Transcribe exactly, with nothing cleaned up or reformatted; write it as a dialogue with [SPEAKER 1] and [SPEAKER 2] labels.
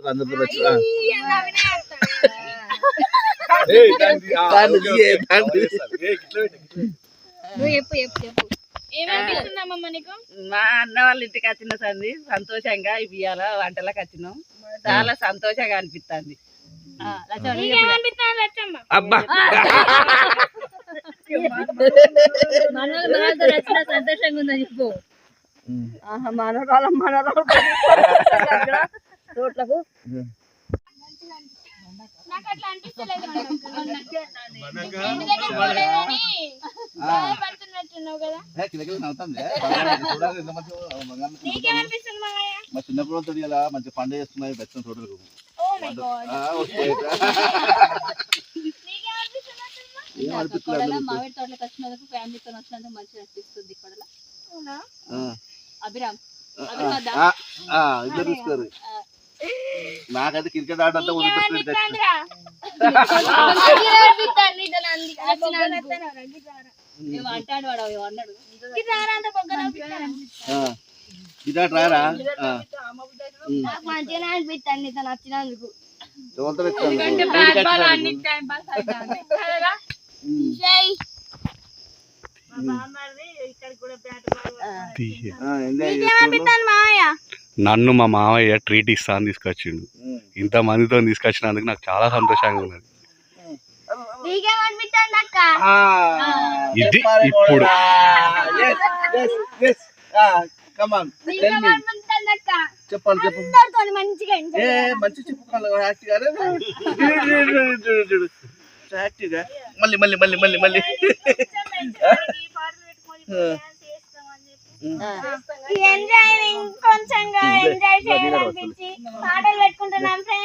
[SPEAKER 1] అందరితో వచ్చి
[SPEAKER 2] మా అన్న వాళ్ళ ఇంటికి వచ్చిన సంది సంతోషంగా ఇవాళ వంటలకు వచ్చినాం. చాలా సంతోషంగా అనిపిస్తుంది.
[SPEAKER 1] అబ్బా
[SPEAKER 3] సంతోషంగా ఉందని చెప్పు.
[SPEAKER 2] మనరాల మనరాలు రోడ్లకు
[SPEAKER 1] మా చిన్నప్పుడు తెలియాలా మంచి పండుగ చేస్తున్నాయి బెచ్చం తోటలకు
[SPEAKER 3] మామిడి తోటలకు వచ్చినందుకు ఫ్యామిలీతో వచ్చినందుకు మంచిగా అనిపిస్తుంది. ఇక్కడ అభిరామ్
[SPEAKER 1] ఇద్దరు తీసుకోరు. నాకైతే క్రికెట్ ఆట అంతా
[SPEAKER 3] అంటాడు వాడు అన్నాడు
[SPEAKER 1] గిటార్ రారా
[SPEAKER 3] మంచిగా అనిపిస్తుంది తను వచ్చినందుకు.
[SPEAKER 4] నన్ను మా మామయ్య ట్రీట్ ఇస్తా అని తీసుకొచ్చిండు. ఇంత మందితో తీసుకొచ్చినందుకు నాకు చాలా సంతోషంగా ఉన్నది. ఇది ఇప్పుడు
[SPEAKER 1] చెప్పాలి చెప్పు మంచి చెప్పుకోవాలి యాక్టివ్గా మళ్ళీ మళ్ళీ మళ్ళీ మళ్ళీ మళ్ళీ
[SPEAKER 3] కొంచెం ఎంజాయ్ చేయాలనిపించి పాటలు పెట్టుకుంటున్నాం ఫ్రెండ్స్.